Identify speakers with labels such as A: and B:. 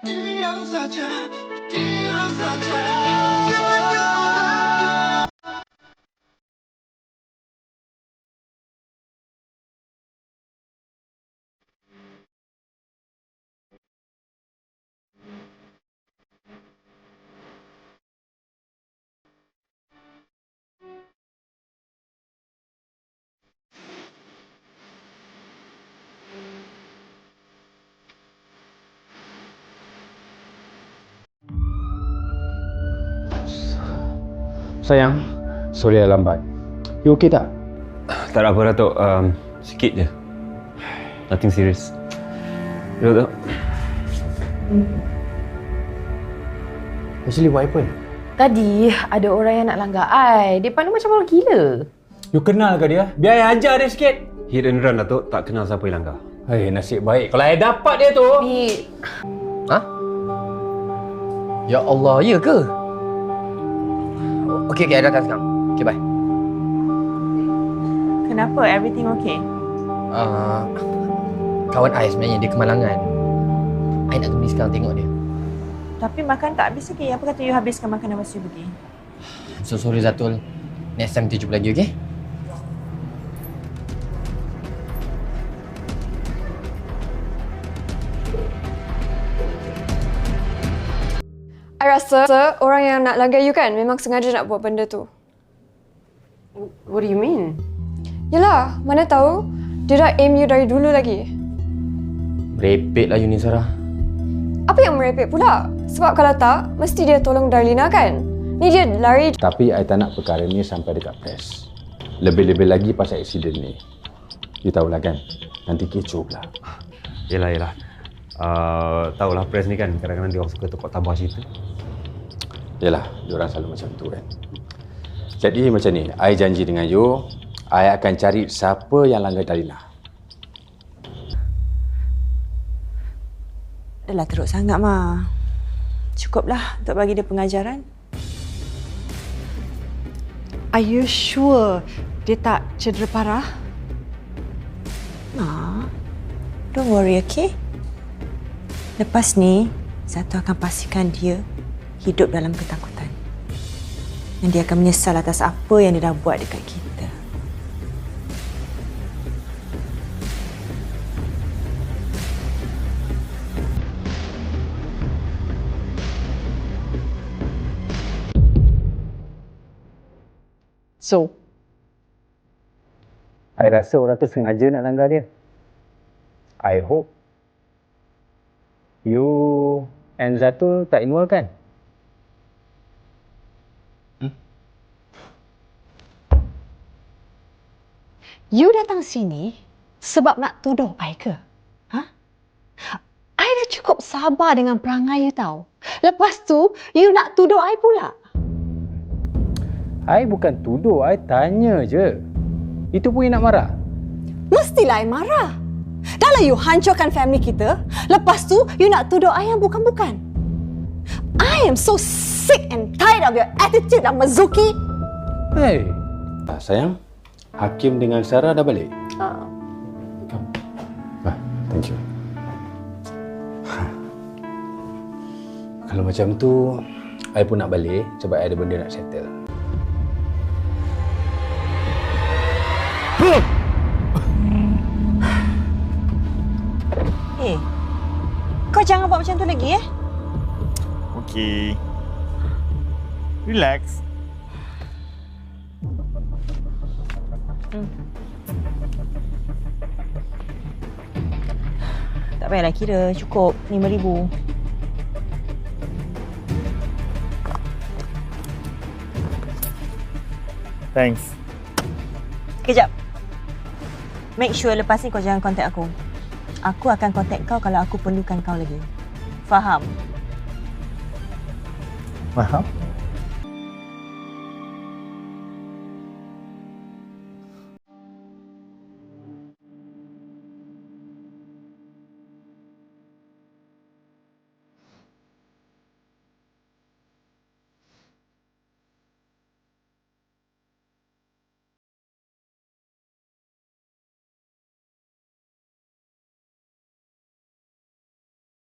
A: Diam saja, diam saja.
B: Sayang, sorry dah lambat. You okay tak?
C: Tak ada apa Datuk, sikit je. Nothing serious. Datuk.
B: Actually, what happened?
D: Tadi ada orang yang nak langgar I. Dia pandang macam orang gila.
B: You kenal ke dia? Biar I ajar dia sikit.
C: Hit and run Datuk, tak kenal siapa yang langgar.
B: Hai, nasib baik. Kalau I dapat dia tu...
D: Bi,
E: Ha? Ya Allah, ya ke? Okey, I datang sekarang. Okey, bye.
D: kenapa? Everything okay?
E: Kawan I sebenarnya dia kemalangan. I nak pergi sekarang tengok dia.
D: Tapi makan tak habis lagi. Apa kata you habiskan makanan lepas you pergi?
E: So sorry Zatul. Next time kita jumpa lagi, okey?
F: I rasa orang yang nak langgar you kan memang sengaja nak buat benda tu.
D: What do you mean?
F: Yelah, mana tahu dia dah aim you dari dulu lagi.
E: Merepek lah you ni, Sarah.
F: Apa yang merepek pula? Sebab kalau tak, mesti dia tolong Darlina kan? Ni dia lari.
B: Tapi I tak nak perkara ni sampai dekat press. Lebih-lebih lagi pasal aksiden ni. You tahulah kan, nanti kecoh pula.
C: Yelah. Tahulah press ni kan, kadang-kadang dia orang suka tukar tabah cerita.
B: Yalah, diorang selalu macam tu kan. Jadi macam ni, I janji dengan you, I akan cari siapa yang langgar Darlina.
D: Dah lah teruk sangat, Ma. Cukuplah untuk bagi dia pengajaran.
G: Are you sure dia tak cedera parah?
D: Ma, don't worry, okay? Lepas ni, Zato akan pastikan dia hidup dalam ketakutan. Dan dia akan menyesal atas apa yang dia dah buat dekat kita.
G: So,
B: I rasa orang tu sengaja nak langgar dia. I hope you and Zatul tak involved kan?
G: you datang sini sebab nak tuduh I ke? Ha? I dah cukup sabar dengan perangai you tahu. Lepas tu, you nak tuduh I pula.
B: I bukan tuduh, I tanya je. Itu pun you nak marah?
G: Mestilah I marah. Dah lah you hancurkan family kita, lepas tu you nak tuduh I yang bukan-bukan. I am so sick and tired of your attitude, Mazuki.
B: Hey. Sayang, Hakim dengan Sarah dah balik? Thank you. Kalau macam tu, I pun nak balik sebab I ada benda nak settle.
D: Kau jangan buat macam tu lagi, eh?
H: Okay. Relax.
D: Tak payahlah kira, cukup RM5,000.
H: Thanks.
D: Kejap. Make sure lepas ni kau jangan contact aku. Aku akan contact kau kalau aku perlukan kau lagi. Faham?
H: Faham?